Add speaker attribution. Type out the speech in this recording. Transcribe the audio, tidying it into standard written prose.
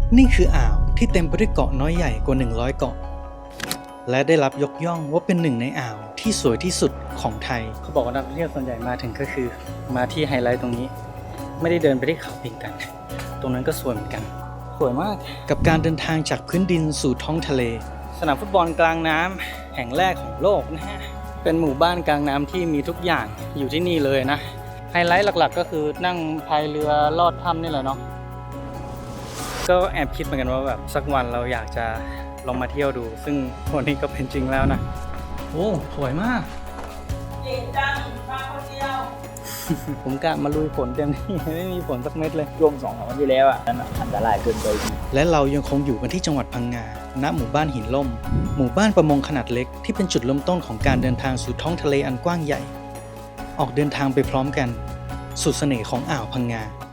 Speaker 1: นี่คืออ่าวที่เต็มไปด้วยเกาะน้อยใหญ่กว่า100เกาะและได้รับยกย่องว่าเป็นหนึ่งในอ่าวที่สวยที่สุดของไทยเขาบอกว่านักท่องเที่ยวส่วนใหญ่มาถึงก็คือมาที่ไฮไลท์ตรงนี้ไม่ได้เดินไปที่เขาพิงกันตรงนั้นก็สวยเหมือนกันสวยมากกับการเดินทางจากพื้นดินสู่ท้องทะเลสนามฟุตบอลกลางน้ำแห่งแรกของโลกนะฮะเป็นหมู่บ้านกลางน้ำที่มีทุกอย่างอยู่ที่นี่เลยนะไฮไลท์หลักๆก็คือนั่งพายเรือลอดถ้ำนี่แหละเนาะก็แอบคิดเหมือนกันว่าแบบสักวันเราอยากจะลองมาเที่ยวดูซึ่งวันนี้ก็เป็นจริงแล้วนะโอ้สวยมากเก่งจังมาคนเดียว ผมกะมาลุยฝนเต็มที่ไม่มีฝนสักเม็ดเลย
Speaker 2: ช่วง2 วันที่แล้วอ่ะนั่นอันตรายเกินไป
Speaker 1: และเรายังคงอยู่กันที่จังหวัดพังงาณหมู่บ้านหินล่มหมู่บ้านประมงขนาดเล็กที่เป็นจุดเริ่มต้นของการเดินทางสู่ท้องทะเลอันกว้างใหญ่ออกเดินทางไปพร้อมกันสู่เสน่ห์ของอ่าวพังงา